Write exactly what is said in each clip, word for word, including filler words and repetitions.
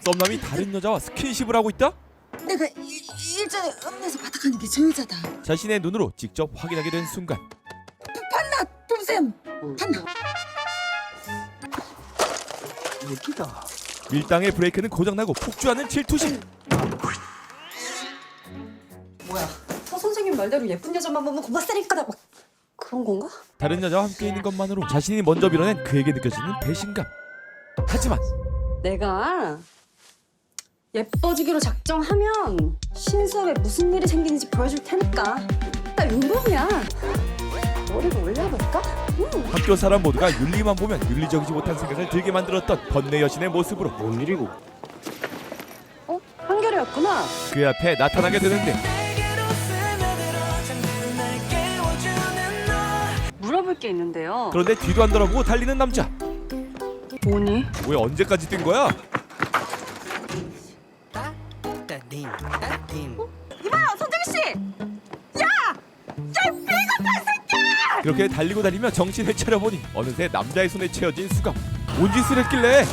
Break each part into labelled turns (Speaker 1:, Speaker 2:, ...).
Speaker 1: 썸남이 다른 여자와 스킨십을 하고 있다?
Speaker 2: 내가 일, 일전에 읍내에서 바닥하는 게 저 여자다.
Speaker 1: 자신의 눈으로 직접 확인하게 된 순간
Speaker 2: 판나 톰쌤 판나.
Speaker 3: 예쁘다.
Speaker 1: 밀당의 브레이크는 고장나고 폭주하는 질투심.
Speaker 4: 뭐야? 서 선생님 말대로 예쁜 여자만 보면 고맙다니까 막 그런 건가?
Speaker 1: 다른 여자와 함께 있는 것만으로 자신이 먼저 밀어낸 그에게 느껴지는 배신감. 하지만
Speaker 4: 내가 예뻐지기로 작정하면 신수업에 무슨 일이 생기는지 보여줄 테니까. 나 윤범이야. 머리를 올려볼까? 응.
Speaker 1: 학교 사람 모두가 윤리만 보면 윤리적이지 못한 생각을 들게 만들었던 번뇌 여신의 모습으로
Speaker 3: 뭔 일이고?
Speaker 4: 어? 한결이었구나.
Speaker 1: 그 앞에 나타나게 되는데
Speaker 4: 물어볼 게 있는데요.
Speaker 1: 그런데 뒤도 안 돌아보고 달리는 남자.
Speaker 4: 뭐니?
Speaker 1: 왜 언제까지 뛴 거야?
Speaker 4: 이봐요, 선재기 씨!
Speaker 1: 그렇게 달리고 달리며 정신을 차려보니 어느새 남자의 손에 채워진 수갑. 뭔 짓을 했길래?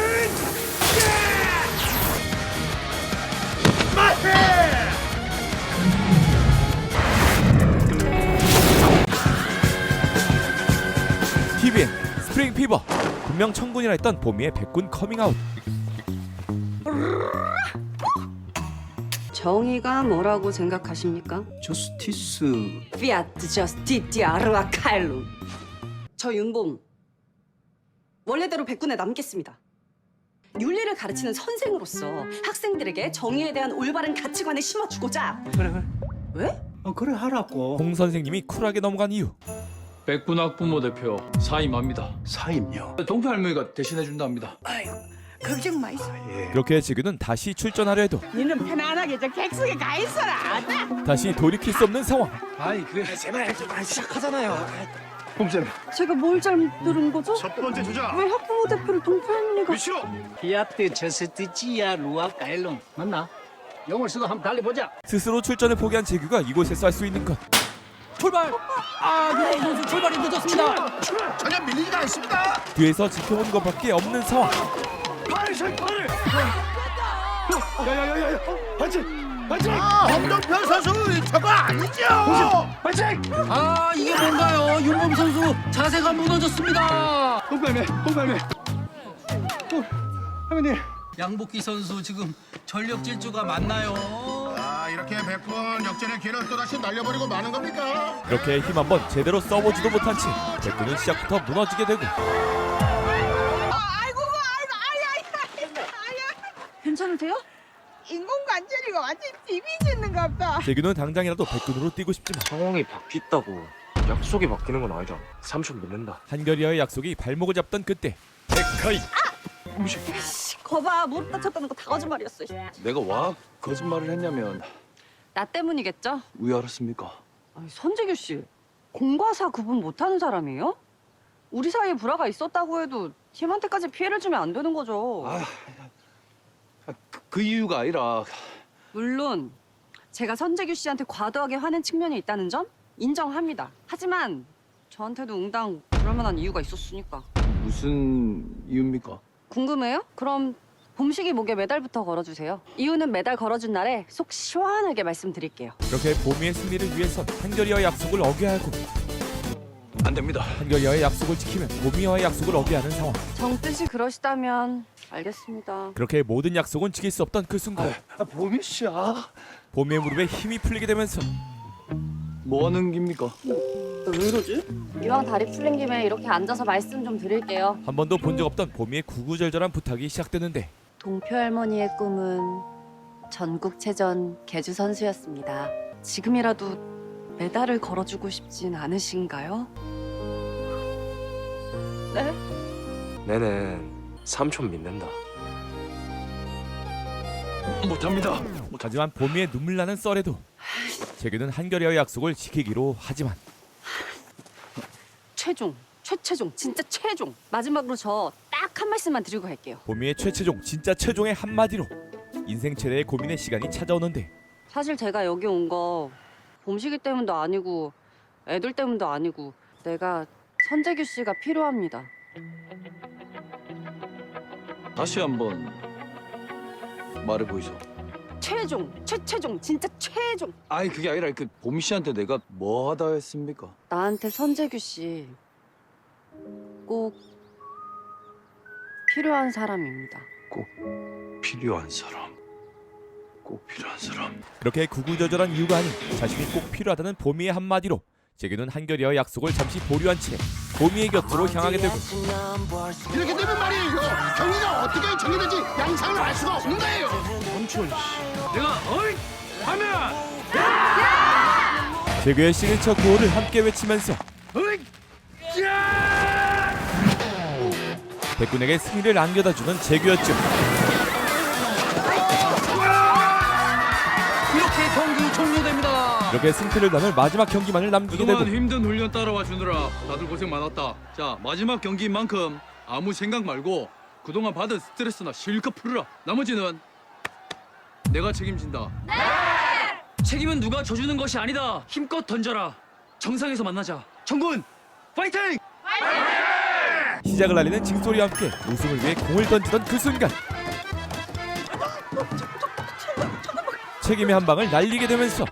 Speaker 1: 티비엔 스프링 피버. 분명 청군이라 했던 보미의 백군 커밍아웃.
Speaker 4: 정의가 뭐라고 생각하십니까?
Speaker 3: 저스티스.
Speaker 4: 피아트 저스티티 아르아 칼룸. 저 윤봄 원래대로 백군에 남겠습니다. 윤리를 가르치는 선생으로서 학생들에게 정의에 대한 올바른 가치관을 심어주고자.
Speaker 3: 그래 그래.
Speaker 4: 왜?
Speaker 3: 어 그래 하라고.
Speaker 1: 홍 선생님이 쿨하게 넘어간 이유.
Speaker 5: 백군 학부모 대표 사임합니다.
Speaker 3: 사임요.
Speaker 5: 동표 할머니가 대신해 준답니다.
Speaker 2: 걱정 마이소.
Speaker 3: 예.
Speaker 1: 그렇게 지구는 다시 출전하려 해도
Speaker 2: 니는 편안하게 저 객석에 가 있어라.
Speaker 1: 다시 돌이킬 수 없는 상황.
Speaker 3: 아이 그래 제발 제발 시작하잖아요. 봄쌤.
Speaker 4: 제가 뭘 잘못 들은 거죠?
Speaker 6: 첫 번째 주자
Speaker 4: 왜 학부모 대표를 동표할리가?
Speaker 6: 위시로
Speaker 3: 피아트 저스티치아 루아 카일론 맞나? 영어를 쓰고 한번 달려보자.
Speaker 1: 스스로 출전을 포기한 재규가 이곳에서 할 수 있는 것.
Speaker 3: 출발. 아 유호 선수 출발이 늦었습니다.
Speaker 6: 전혀 밀리지가 않습니다.
Speaker 1: 뒤에서 지켜보는 것밖에 없는 상황.
Speaker 6: 팔, 팔.
Speaker 3: 야야야야. 반칙 반칙.
Speaker 6: 아, 홍동표 선수 저거 아니죠?
Speaker 3: 반칙. 아 이게 뭔가요? 윤범 선수 자세가 무너졌습니다. 홍발매 홍발매. 어, 할머니. 양복기 선수 지금 전력 질주가 맞나요?
Speaker 6: 아, 이렇게 백분 역전의 기회를 또다시 날려버리고 마는 겁니까?
Speaker 1: 그렇게 힘 한번 제대로 써보지도 못한 채 백군은 시작부터 무너지게 되고
Speaker 4: 괜찮으세요?
Speaker 2: 인공관절이가 완전 비비짓는갑다.
Speaker 1: 재규는 당장이라도 백군으로 뛰고 싶지만
Speaker 7: 상황이 바뀌었다고 약속이 바뀌는 건 아니잖아. 삼촌 믿는다.
Speaker 1: 한결이와의 약속이 발목을 잡던 그때 백하이.
Speaker 4: 씨, 거봐 무릎 다쳤다는 거 다 거짓말이었어.
Speaker 5: 내가 와 거짓말을 했냐면
Speaker 4: 나 때문이겠죠?
Speaker 5: 왜 알았습니까?
Speaker 4: 아니, 선재규 씨 공과 사 구분 못하는 사람이에요? 우리 사이에 불화가 있었다고 해도 팀한테까지 피해를 주면 안 되는 거죠.
Speaker 5: 아, 그, 그 이유가 아니라
Speaker 4: 물론 제가 선재규 씨한테 과도하게 화낸 측면이 있다는 점 인정합니다. 하지만 저한테도 응당 그럴 만한 이유가 있었으니까.
Speaker 5: 무슨 이유입니까?
Speaker 4: 궁금해요? 그럼 봄식이 목에 메달부터 걸어주세요. 이유는 메달 걸어준 날에 속 시원하게 말씀드릴게요.
Speaker 1: 그렇게 보미의 승리를 위해선 한결이와의 약속을 어겨야 하고
Speaker 5: 안 됩니다.
Speaker 1: 한결이와의 약속을 지키면 보미와의 약속을 어겨야 하는 상황.
Speaker 4: 정뜻이 그러시다면 알겠습니다.
Speaker 1: 그렇게 모든 약속은 지킬 수 없던 그 순간
Speaker 3: 아, 보미 씨야.
Speaker 1: 보미의 무릎에 힘이 풀리게 되면서
Speaker 5: 뭐 하는 겁니까?
Speaker 4: 왜 이러지? 이왕 다리 풀린 김에 이렇게 앉아서 말씀 좀 드릴게요.
Speaker 1: 한 번도 본 적 없던 보미의 구구절절한 부탁이 시작되는데
Speaker 4: 동표 할머니의 꿈은 전국체전 계주 선수였습니다. 지금이라도 메달을 걸어주고 싶진 않으신가요? 네?
Speaker 7: 내는 삼촌 믿는다.
Speaker 5: 못합니다.
Speaker 1: 하지만 보미의 눈물 나는 썰에도 재규는 한결이와의 약속을 지키기로 하지만
Speaker 4: 최종, 최최종, 진짜 최종. 마지막으로 저 딱 한 말씀만 드리고 갈게요.
Speaker 1: 보미의 최최종 진짜 최종의 한마디로 인생 최대의 고민의 시간이 찾아오는데
Speaker 4: 사실 제가 여기 온 거 봄식이 때문도 아니고 애들 때문도 아니고 내가 선재규 씨가 필요합니다.
Speaker 5: 다시 한번 말해 보이소.
Speaker 4: 최종, 최최종, 진짜 최종.
Speaker 5: 아니 그게 아니라 그 보미 씨한테 내가 뭐 하다 했습니까?
Speaker 4: 나한테 선재규 씨 꼭 필요한 사람입니다.
Speaker 5: 필요한 사람. 꼭 필요한 사람.
Speaker 1: 그렇게 구구절절한 이유가 아닌 자신이 꼭 필요하다는 보미의 한마디로 재규는 한결이와 약속을 잠시 보류한 채 보미의 곁으로 향하게 되고
Speaker 6: 이렇게 되면 말이에요. 경기가 어떻게 정해질지 양상을 알 수가 없는 거예요.
Speaker 3: 내가 어이 하면
Speaker 1: 재규의 시그니처 구호를 함께 외치면서
Speaker 3: 어이 야!
Speaker 1: 백군에게 승리를 안겨다주는 재규였죠.
Speaker 3: 이렇게 경기 종료됩니다.
Speaker 1: 이렇게 승패를 나눌 마지막 경기만을 남기게 되고
Speaker 5: 그동안 힘든 훈련 따라와 주느라 다들 고생 많았다. 자, 마지막 경기인 만큼 아무 생각 말고 그동안 받은 스트레스나 실컷 풀어라. 나머지는 내가 책임진다.
Speaker 3: 책임은 누가 져주는 것이 아니다. 힘껏 던져라. 정상에서 만나자. 정군 파이팅!
Speaker 1: 시작을 알리는 징소리와 함께 우승을 위해 공을 던지던 그 순간 책임의 한 방을 날리게 되면서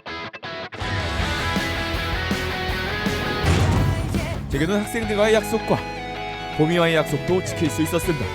Speaker 1: 재규는 학생들과의 약속과 보미와의 약속도 지킬 수 있었습니다.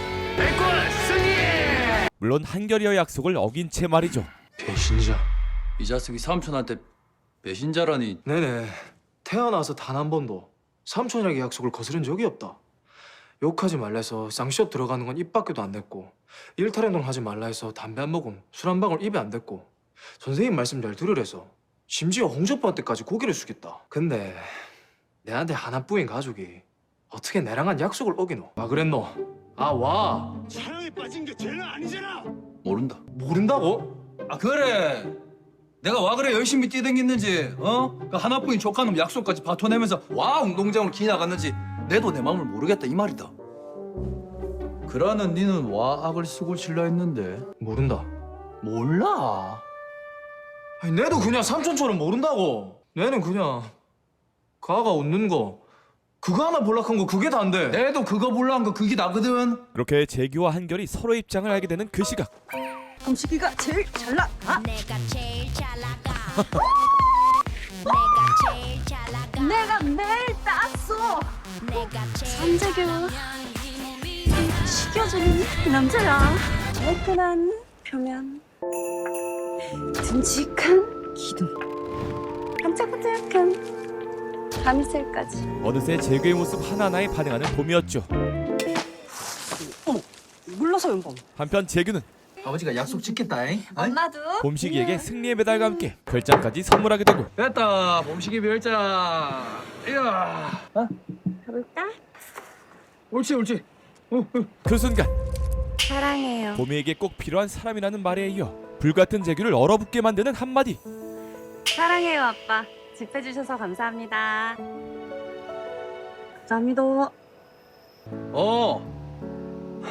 Speaker 1: 물론 한결이와의 약속을 어긴 채 말이죠.
Speaker 5: 배신자. 이 자식이 삼촌한테 배신자라니.
Speaker 7: 네네. 태어나서 단 한 번도 삼촌이랑 약속을 거스른 적이 없다. 욕하지 말라 해서 쌍시업 들어가는 건 입 밖에도 안 냈고 일탈행동 하지 말라 해서 담배 한 모금, 술 한 방울 입에 안 댔고 선생님 말씀 잘 들으래서 심지어 홍조빠한테까지 고개를 숙였다. 근데 내한테 하나뿐인 가족이 어떻게 내랑 한 약속을 어기노? 와 그랬노? 아 와.
Speaker 6: 사랑에 빠진 게 죄는 아니잖아.
Speaker 5: 모른다.
Speaker 7: 모른다고?
Speaker 5: 아 그래. 내가 와 그래 열심히 뛰댕겼는지 어? 그 하나뿐인 조카놈 약속까지 바쳐내면서 와 운동장으로 기 나갔는지 내도 내 마음을 모르겠다 이 말이다. 그러는 니는 와 악을 쓰고 칠라 했는데
Speaker 7: 모른다.
Speaker 5: 몰라.
Speaker 7: 아니 내도 그냥 삼촌처럼 모른다고. 내는 그냥 가가 웃는 거 그거 하나 볼락한 거 그게 다인데.
Speaker 5: 내도 그거 몰라한 거 그게 나거든.
Speaker 1: 그렇게 재규와 한결이 서로의 입장을 알게 되는 그 시각
Speaker 4: 음식이가 제일 잘 나가.
Speaker 8: 내가 제일 잘 나가. 내가 제일 잘 나가.
Speaker 4: 내가 매일 땄어.
Speaker 8: 내가 제일
Speaker 4: 선재규 식혀주는 남자야. 매끈한 표면, 듬직한 기둥, 반짝반짝한 밤이슬까지.
Speaker 1: 어느새 재규의 모습 하나하나에 반응하는 봄이었죠.
Speaker 4: 어머, 물러서 윤범.
Speaker 1: 한편 재규는
Speaker 5: 아버지가 약속 지켰다잉.
Speaker 4: 엄마도.
Speaker 1: 봄식이에게 승리의 메달과 함께 별장까지 선물하게 되고
Speaker 5: 됐다. 봄식이 별장. 이야. 어?
Speaker 4: 가볼까?
Speaker 5: 옳지 옳지. 어, 어.
Speaker 1: 그 순간
Speaker 4: 사랑해요.
Speaker 1: 봄이에게 꼭 필요한 사람이라는 말에 이어 불같은 재규를 얼어붙게 만드는 한마디.
Speaker 4: 사랑해요, 아빠. 집해주셔서 감사합니다. 감사합니다.
Speaker 5: 어.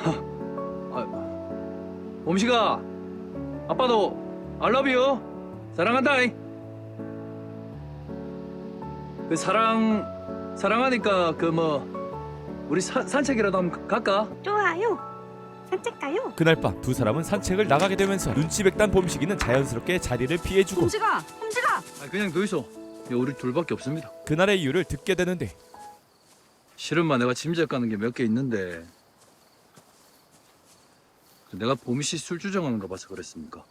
Speaker 5: 아, 봄식아, 아빠도 알러뷰 사랑한다잉. 그 사랑 사랑하니까 그 뭐 우리 사, 산책이라도 한번 갈까?
Speaker 4: 좋아요. 산책 가요.
Speaker 1: 그날 밤 두 사람은 산책을 나가게 되면서 눈치 백단 봄식이는 자연스럽게 자리를 피해주고
Speaker 4: 홈지가, 홈지가.
Speaker 5: 아 그냥 그 있어. 우리 둘밖에 없습니다.
Speaker 1: 그날의 이유를 듣게 되는데
Speaker 5: 실은마 내가 짐작 가는 게 몇 개 있는데 내가 봄이 씨 술주정하는 거 봐서 그랬습니까?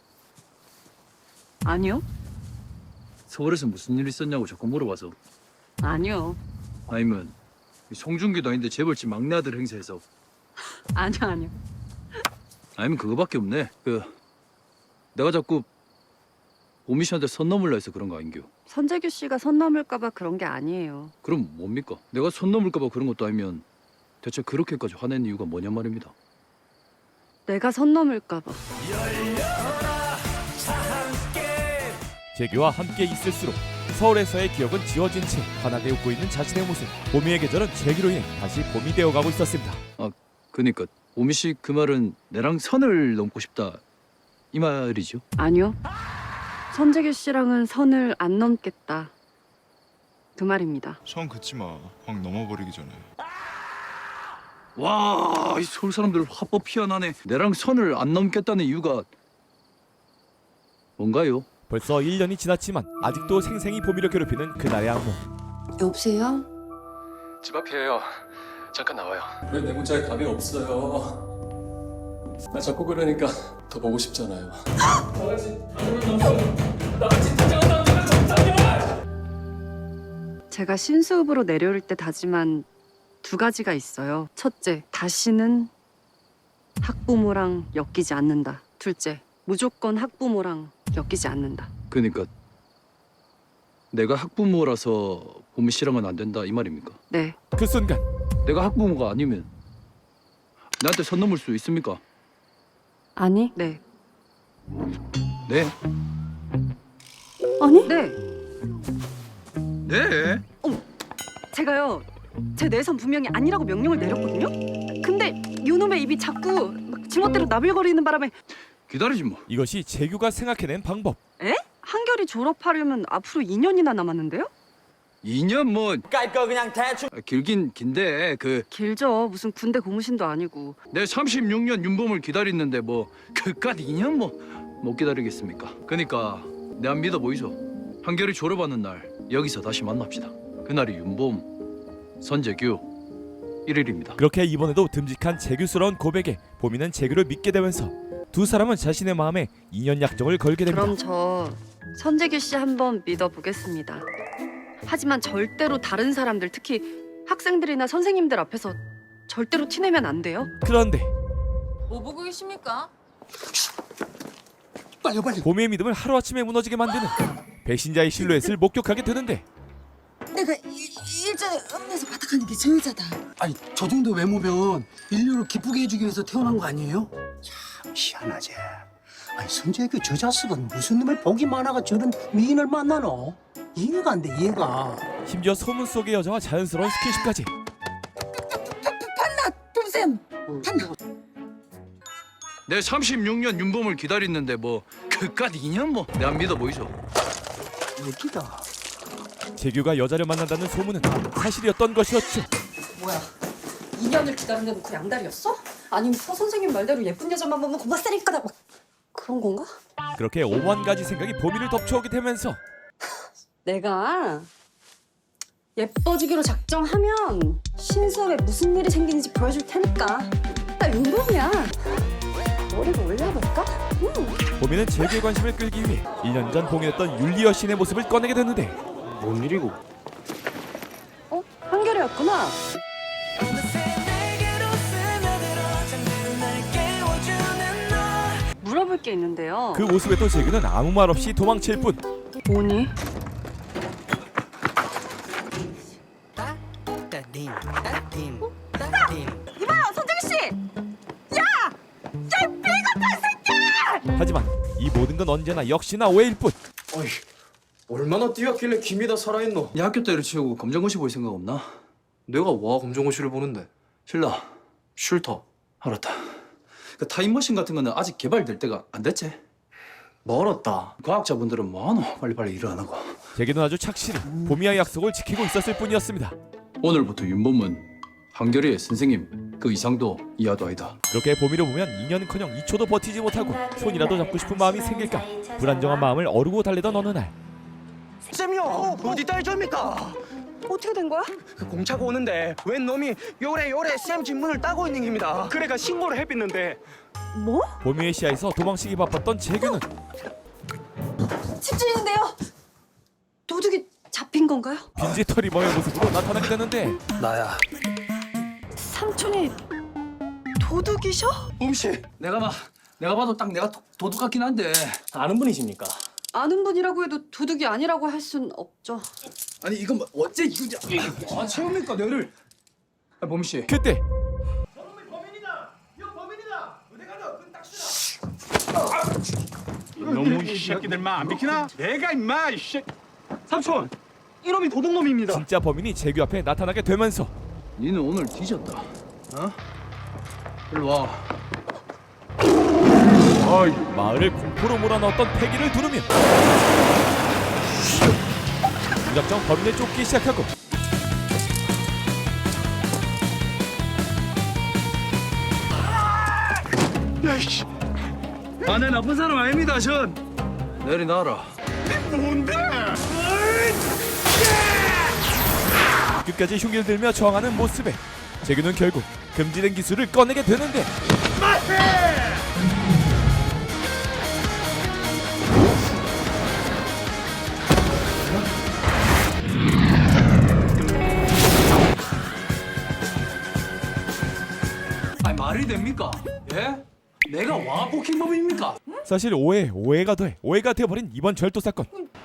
Speaker 4: 아니요,
Speaker 5: 서울에서 무슨 일 있었냐고 자꾸 물어봐서.
Speaker 4: 아니요,
Speaker 5: 아니면 이 송중기도 아닌데 재벌집 막내 아들 행세해서.
Speaker 4: 아니요, 아니요.
Speaker 5: 아니면 그거밖에 없네. 그 내가 자꾸 봄이 씨한테 선 넘을라 해서 그런 거 아닌겨?
Speaker 4: 선재규 씨가 선 넘을까봐 그런 게 아니에요.
Speaker 5: 그럼 뭡니까? 내가 선 넘을까 봐 그런 것도 아니면 대체 그렇게까지 화낸 이유가 뭐냐 말입니다.
Speaker 4: 내가 선 넘을까봐.
Speaker 1: 재규와 함께 있을수록 서울에서의 기억은 지워진 채 환하게 웃고 있는 자신의 모습. 봄이의 계절은 재규로 인해 다시 봄이 되어가고 있었습니다.
Speaker 5: 아 그니까 봄이 씨 그 말은 내랑 선을 넘고 싶다 이 말이죠?
Speaker 4: 아니요. 선재규 씨랑은 선을 안 넘겠다. 그 말입니다.
Speaker 9: 선 긋지 마. 확 넘어버리기 전에.
Speaker 5: 와, 이 서울 사람들 화법 희한하네. 내랑 선을 안 넘겠다는 이유가 뭔가요?
Speaker 1: 벌써 일 년이 지났지만 아직도 생생히 보미를 괴롭히는 그날의 악몽.
Speaker 2: 여보세요?
Speaker 10: 집 앞이에요. 잠깐 나와요. 왜 내 문자에 답이 없어요? 나 자꾸 그러니까 더 보고 싶잖아요.
Speaker 4: 제가 신수읍으로 내려올 때 다짐한 두 가지가 있어요. 첫째, 다시는 학부모랑 엮이지 않는다. 둘째, 무조건 학부모랑 엮이지 않는다.
Speaker 5: 그러니까 내가 학부모라서 보미 씨랑은 안 된다 이 말입니까?
Speaker 4: 네.
Speaker 1: 그 순간
Speaker 5: 내가 학부모가 아니면 나한테 선 넘을 수 있습니까?
Speaker 4: 아니? 네.
Speaker 5: 네.
Speaker 4: 아니? 네.
Speaker 5: 네.
Speaker 4: 제가요, 제 내선 분명히 아니라고 명령을 내렸거든요? 근데 요놈의 입이 자꾸 막 지멋대로 나불거리는 바람에
Speaker 5: 기다리지 뭐.
Speaker 1: 이것이 재규가 생각해낸 방법.
Speaker 4: 에? 한결이 졸업하려면 앞으로 이 년이나 남았는데요?
Speaker 5: 이 년 뭐. 깔거 그냥 대충. 길긴 긴데 그
Speaker 4: 길죠. 무슨 군대 고무신도 아니고.
Speaker 5: 내 삼십육 년 윤범을 기다리는데 뭐 그깟 이 년 뭐 못 기다리겠습니까? 그러니까 내 안 믿어 보이소. 한결이 졸업하는 날 여기서 다시 만납시다. 그날이 윤범, 선재규 일 일입니다.
Speaker 1: 그렇게 이번에도 듬직한 재규스러운 고백에 보미는 재규를 믿게 되면서 두 사람은 자신의 마음에 이 년 약정을 걸게 됩니다.
Speaker 4: 그럼 저 선재규 씨 한번 믿어보겠습니다. 하지만 절대로 다른 사람들, 특히 학생들이나 선생님들 앞에서 절대로 티내면 안 돼요.
Speaker 1: 그런데
Speaker 2: 뭐 보고 계십니까?
Speaker 6: 빨리 빨리.
Speaker 1: 보미의 믿음을 하루아침에 무너지게 만드는 배신자의 실루엣을 목격하게 되는데
Speaker 2: 내가 일, 일전에 읍내에서 바닥하는 게 저 여자다.
Speaker 3: 아니 저 정도 외모면 인류를 기쁘게 해주기 위해서 태어난 거 아니에요?
Speaker 6: 참 희한하지. 아니 선재규 저 자식은 무슨 놈의 복이 많아가 저런 미인을 만나노? 이해가 안 돼 이해가.
Speaker 1: 심지어 소문 속의 여자와 자연스러운 스킨십까지.
Speaker 2: 판나 톰쌤. 판나.
Speaker 5: 내 삼십육 년 윤범을 기다리는데 뭐 그깟 이 년 뭐 내 안 믿어 보이소.
Speaker 6: 웃기다.
Speaker 1: 재규가 여자를 만난다는 소문은 사실이었던 것이었죠.
Speaker 4: 뭐야? 이 년을 기다린데 놓고 양다리였어? 아니면 서 선생님 말대로 예쁜 여자만 보면 고맙다니까 막 그런 건가?
Speaker 1: 그렇게 오만 가지 생각이 보미를 덮쳐오게 되면서
Speaker 4: 내가 예뻐지기로 작정하면 신수업에 무슨 일이 생기는지 보여줄 테니까. 나 윤범이야. 머리를 올려볼까? 응.
Speaker 1: 보미는 재규의 관심을 끌기 위해 일 년 전 공연했던 율리 여신의 모습을 꺼내게 되는데
Speaker 7: 뭔 일이고?
Speaker 4: 어? 한결이었구나. 물어볼 게 있는데요.
Speaker 1: 그 모습에도 재규는 아무 말 없이 도망칠 뿐.
Speaker 4: 뭐니? 이봐요, 선재기 씨!
Speaker 1: 하지만 이 모든 건 언제나 역시나 오해일 뿐.
Speaker 7: 어이, 얼마나 뛰었길래 김이 다 살아있노?
Speaker 5: 이 학교 때려치우고 검정고시 볼 생각 없나?
Speaker 7: 내가 와 검정고시를 보는데.
Speaker 5: 신라.
Speaker 7: 싫다.
Speaker 5: 알았다. 그 타임머신 같은 거는 아직 개발될 때가 안 됐지?
Speaker 7: 멀었다.
Speaker 5: 과학자분들은 뭐하노? 빨리빨리 일을 안 하고.
Speaker 1: 재규는 아주 착실히 보미와의 약속을 지키고 있었을 뿐이었습니다.
Speaker 5: 오늘부터 윤범은 한결이의 선생님 그 이상도 이하도 아니다.
Speaker 1: 그렇게 보미를 보면 이 년커녕 이 초도 버티지 못하고 손이라도 잡고 싶은 마음이 생길까 불안정한 마음을 어루고 달래던 어느 날
Speaker 11: 쌤이요 어디 딸줍니까?
Speaker 4: 어떻게 된 거야?
Speaker 11: 그 공차가 오는데 웬 놈이 요래 요래 쌤 집 문을 따고 있는 겁니다. 그래가 신고를 해봤는데
Speaker 4: 뭐?
Speaker 1: 보미의 시야에서 도망치기 바빴던 재규는
Speaker 4: 집주인인데요. 도둑이 잡힌 건가요?
Speaker 1: 빈지털이범의 모습으로 나타나게 되는데
Speaker 5: 나야.
Speaker 4: 삼촌이 도둑이셔?
Speaker 11: 봄씨
Speaker 5: 내가 막 내가 봐도 딱 내가 도, 도둑 같긴 한데.
Speaker 11: 아는 분이십니까?
Speaker 4: 아는 분이라고 해도 도둑이 아니라고 할 순 없죠.
Speaker 5: 아니 이건 뭐 어째 이거 아 채웁니까 너를? 아 범 씨.
Speaker 1: 그때
Speaker 6: 너무 이 새끼들만 안 비키나? 내가 임마 이 새.
Speaker 11: 삼촌 이놈이 도둑놈입니다.
Speaker 1: 진짜 범인이 재규 앞에 나타나게 되면서
Speaker 5: 니는 오늘 뒤졌다. 어? 일로 와.
Speaker 1: 마을을 공포로 몰아넣었던 패기를 두르며 무작정 범인을 쫓기 시작하고
Speaker 11: 야이씨. 아내 나쁜 사람 아닙니다 전.
Speaker 5: 내리놔라.
Speaker 1: 끝까지 흉기를 들며 저항하는 모습에 재규는 결국 금지된 기술을 꺼내게 되는데
Speaker 5: 아니 말이 됩니까? 예? 내가 와포킹범입니까?
Speaker 1: 사실 오해 오해가 돼 오해가 되어버린 이번 절도 사건.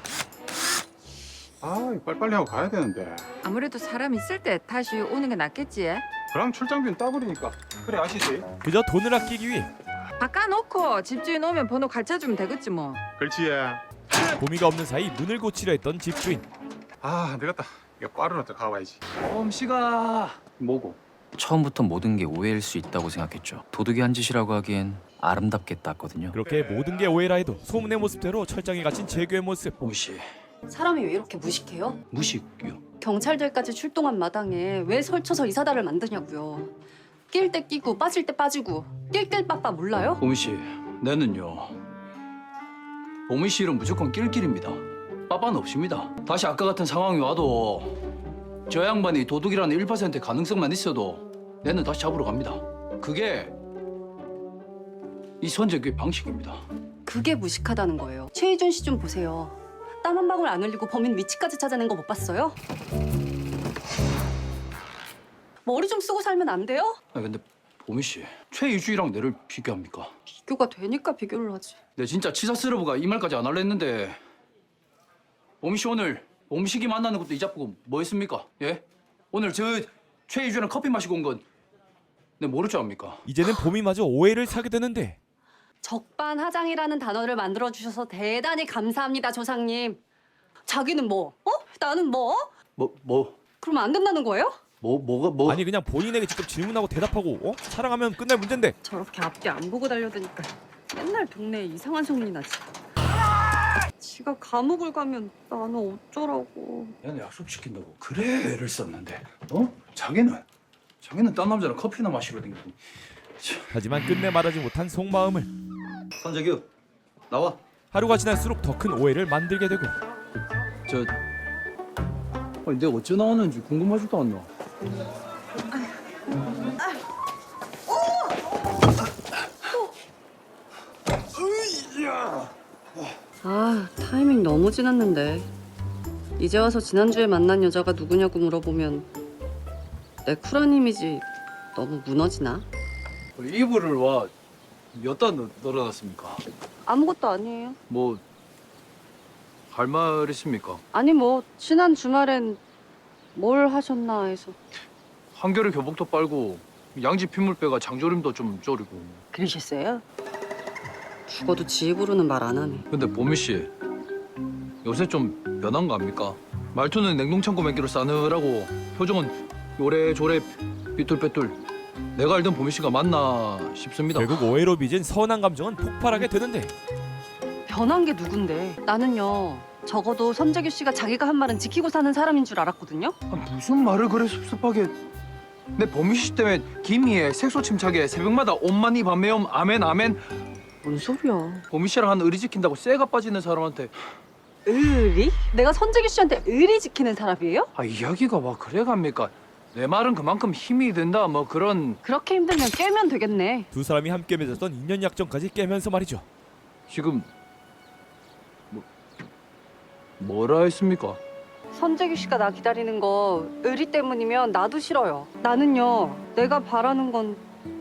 Speaker 9: 아, 빨리빨리 하고 가야 되는데.
Speaker 2: 아무래도 사람 있을 때 다시 오는 게 낫겠지.
Speaker 9: 그럼 출장비는 따버리니까. 그래 아시지?
Speaker 1: 그저 돈을 아끼기 위해
Speaker 2: 바꿔놓고 집주인 오면 번호 가르쳐주면 되겠지 뭐.
Speaker 9: 그렇지.
Speaker 1: 보미가 없는 사이 문을 고치려 했던 집주인.
Speaker 9: 아, 되겠다. 이거 빠르나 더 가봐야지.
Speaker 5: 봄씨가
Speaker 3: 뭐고?
Speaker 5: 처음부터 모든 게 오해일 수 있다고 생각했죠. 도둑이 한 짓이라고 하기엔 아름답게 땄거든요.
Speaker 1: 그렇게 모든 게 오해라 해도 소문의 모습대로 철장에 갇힌 재규의 모습.
Speaker 5: 봄씨
Speaker 4: 사람이 왜 이렇게 무식해요?
Speaker 5: 무식이요.
Speaker 4: 경찰들까지 출동한 마당에 왜 설쳐서 이사다를 만드냐고요. 낄 때 끼고 빠질 때 빠지고 낄낄 빠빠 몰라요?
Speaker 5: 봄씨 내는요. 봄씨 일은 무조건 낄낄입니다. 빠빠는 없습니다. 다시 아까 같은 상황이 와도 저 양반이 도둑이라는 일 퍼센트의 가능성만 있어도 내는 다시 잡으러 갑니다. 그게 이 선재규의 방식입니다.
Speaker 4: 그게 무식하다는 거예요. 최희준 씨 좀 보세요. 땀 한 방울 안 흘리고 범인 위치까지 찾아낸 거 못 봤어요? 머리 좀 쓰고 살면 안 돼요?
Speaker 5: 아 근데 봄씨 최유주이랑 내를 비교합니까?
Speaker 4: 비교가 되니까 비교를 하지.
Speaker 5: 내 진짜 치사스러브가 이 말까지 안 할려 했는데 봄씨 오늘 봄식이 만나는 것도 잊어보고 뭐 했습니까? 예? 오늘 저 최유주랑 커피 마시고 온 건 내 모를 줄 압니까?
Speaker 1: 이제는 봄이마저 오해를 사게 되는데
Speaker 4: 적반하장이라는 단어를 만들어 주셔서 대단히 감사합니다, 조상님. 자기는 뭐? 어? 나는 뭐?
Speaker 5: 뭐 뭐?
Speaker 4: 그러면 안 된다는 거예요?
Speaker 5: 뭐 뭐가 뭐?
Speaker 1: 아니 그냥 본인에게 직접 질문하고 대답하고 어? 사랑하면 끝날 문제인데
Speaker 4: 저렇게 앞뒤 안 보고 달려드니까 맨날 동네에 이상한 소문이 나지. 지가 감옥을 가면 나는 어쩌라고.
Speaker 5: 얘는 약속시킨다고 그래 애를 썼는데 어? 자기는 자기는 딴 남자랑 커피나 마시러 댕기고.
Speaker 1: 하지만 끝내 말하지 못한 속마음을
Speaker 5: 선재규 나와.
Speaker 1: 하루가 지날수록 더 큰 오해를 만들게 되고
Speaker 5: 저 아니 내가 어째 나왔는지 궁금하지도 않나?
Speaker 4: 아, 타이밍 너무 지났는데. 이제 와서 지난주에 만난 여자가 누구냐고 물어보면 내 쿨한 이미지 너무 무너지나?
Speaker 5: 이불을 와 몇 단 널어놨습니까?
Speaker 4: 아무것도 아니에요.
Speaker 5: 뭐 할 말 있습니까?
Speaker 4: 아니 뭐 지난 주말엔 뭘 하셨나 해서.
Speaker 5: 한겨레 교복도 빨고 양지 핏물빼가 장조림도 좀 졸이고.
Speaker 4: 그러셨어요? 죽어도 지 입으로는 말 안 하네.
Speaker 5: 근데 보미 씨 요새 좀 변한 거 압니까? 말투는 냉동창고 맹기로 싸늘하고 표정은 요래조래 삐뚤빼뚤. 내가 알던 보미 씨가 맞나 싶습니다.
Speaker 1: 결국 오해로 빚은 선한 감정은 폭발하게 되는데
Speaker 4: 변한 게 누군데? 나는요. 적어도 선재규 씨가 자기가 한 말은 지키고 사는 사람인 줄 알았거든요.
Speaker 5: 아, 무슨 말을 그래 섭섭하게. 내 보미 씨 때문에 김희애 색소 침착에 새벽마다 온만이 밤매움 아멘 아멘.
Speaker 4: 뭔 소리야?
Speaker 5: 보미 씨랑 한 의리 지킨다고 쇠가 빠지는 사람한테
Speaker 4: 의리? 내가 선재규 씨한테 의리 지키는 사람이에요?
Speaker 5: 아 이야기가 와 그래 갑니까? 내 말은 그만큼 힘이 된다 뭐 그런.
Speaker 4: 그렇게 힘들면 깨면 되겠네.
Speaker 1: 두 사람이 함께 맺었던 인연 약정까지 깨면서 말이죠.
Speaker 5: 지금 뭐 뭐라 했습니까?
Speaker 4: 선재규 씨가 나 기다리는 거 의리 때문이면 나도 싫어요. 나는요. 내가 바라는 건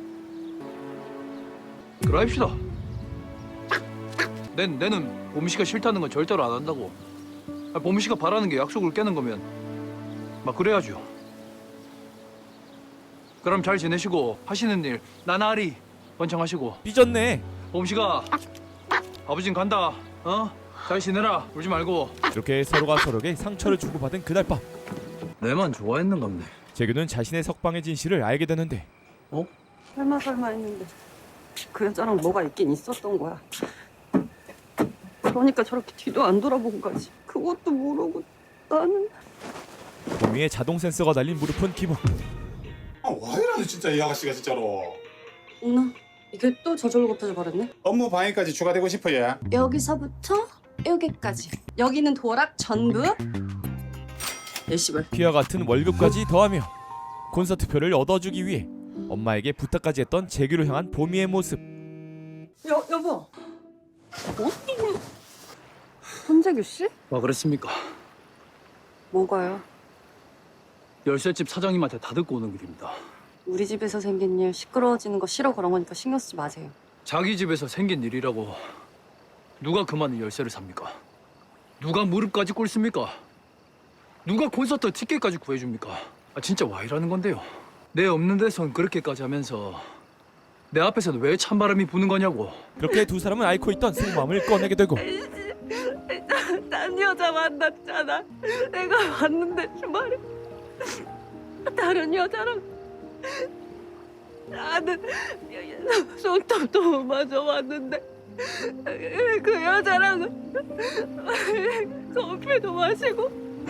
Speaker 5: 그러합시다. 내, 내는 보미 씨가 싫다는 건 절대로 안 한다고. 아, 보미 씨가 바라는 게 약속을 깨는 거면 막 그래야죠. 그럼 잘 지내시고 하시는 일 나날이 번창하시고.
Speaker 1: 삐졌네.
Speaker 5: 보미 씨가 아버진 간다. 어? 잘 지내라. 울지 말고.
Speaker 1: 이렇게 서로가 서로에게 상처를 주고받은 그날 밤
Speaker 5: 내만 좋아했는 건데.
Speaker 1: 재규는 자신의 석방의 진실을 알게 되는데
Speaker 4: 설마 설마 했는데 그 여자랑 뭐가 있긴 있었던 거야. 그러니까 저렇게 뒤도 안 돌아본 거지. 그것도 모르고 나는.
Speaker 1: 보미의 자동 센서가 달린 무릎은 기복.
Speaker 9: 아, 와 이러는 진짜 이 아가씨가 진짜로.
Speaker 4: 어머나 이게 또 저절로 곱해져 버렸네.
Speaker 9: 업무 방해까지 추가되고 싶어 얘.
Speaker 2: 여기서부터
Speaker 4: 여기까지. 여기는 도락 전부 예시벌.
Speaker 1: 피와 같은 월급까지 더하며 콘서트표를 얻어주기 위해 엄마에게 부탁까지 했던 재규를 향한 보미의 모습.
Speaker 4: 여 여보. 뭐? 손재규 씨?
Speaker 5: 와 그랬습니까?
Speaker 4: 뭐가요?
Speaker 5: 열쇠집 사장님한테 다 듣고 오는 길입니다.
Speaker 4: 우리 집에서 생긴 일 시끄러워지는 거 싫어 그런 거니까 신경 쓰지 마세요.
Speaker 5: 자기 집에서 생긴 일이라고 누가 그만의 열쇠를 삽니까? 누가 무릎까지 꿇습니까? 누가 콘서트 티켓까지 구해줍니까? 아 진짜 와 이라는 건데요. 내 없는 데선 그렇게까지 하면서 내 앞에서는 왜 찬바람이 부는 거냐고.
Speaker 1: 그렇게 두 사람은 앓고 있던 속마음을 꺼내게 되고
Speaker 4: 딴 여자 만났잖아. 내가 봤는데 주말에 다른 여자랑 나는 손톱도 마저 왔는데 그 여자랑은 커피도 마시고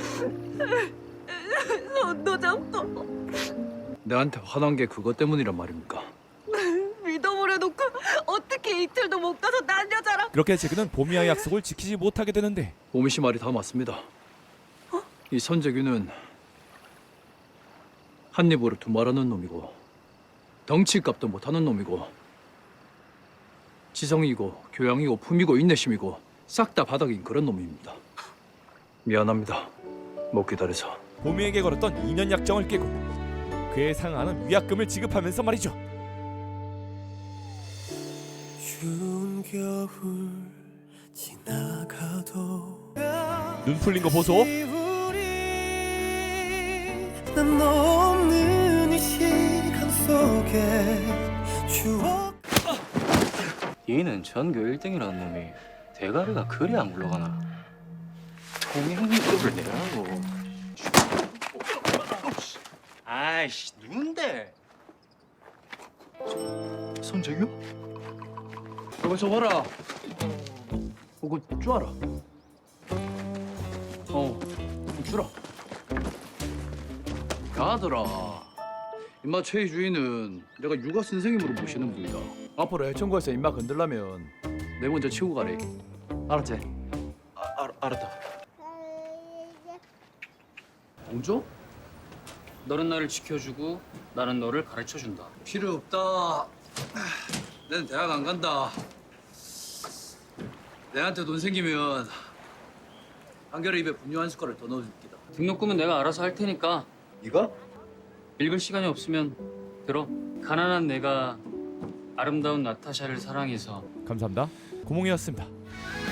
Speaker 4: 손도 잡고
Speaker 5: 내한테 화난 게 그것 때문이란 말입니까?
Speaker 4: 믿어보려 놓고 어떻게 이틀도 못 가서 난 여자랑.
Speaker 1: 그렇게 재규는 보미와의 약속을 지키지 못하게 되는데
Speaker 5: 보미 씨 말이 다 맞습니다. 이 선재규는 한 입으로 두 말하는 놈이고 덩치값도 못하는 놈이고 지성이고 교양이고 품이고 인내심이고 싹 다 바닥인 그런 놈입니다. 미안합니다. 못 기다려서.
Speaker 1: 보미에게 걸었던 이 년 약정을 깨고 그에 상응하는 위약금을 지급하면서 말이죠. 눈 풀린 거 보소.
Speaker 11: 난 없는 이 시간 속에 추억.
Speaker 3: 얘는 전교 일 등이라는 놈이 대가리가 그리 안 굴러가나. 통행급을 내라고. 아이씨 누군데?
Speaker 5: 선재규? 이거 저 봐라. 이거 쭈아라. 어, 주라. 가더라. 임마 최희 주인은 내가 육아 선생님으로 모시는 분이다. 앞으로 해천구에서 임마 건들라면 내 먼저 치고 가래. 알았지? 아, 알, 알았다.
Speaker 3: 공조? 너는 나를 지켜주고 나는 너를 가르쳐준다.
Speaker 5: 필요 없다. 난 대학 안 간다. 내한테 돈 생기면 한결에 입에 분유 한 숟가락 더 넣어줄게다.
Speaker 3: 등록금은 내가 알아서 할 테니까
Speaker 5: 네가?
Speaker 3: 읽을 시간이 없으면 들어. 가난한 내가 아름다운 나타샤를 사랑해서
Speaker 1: 감사합니다. 고몽이었습니다.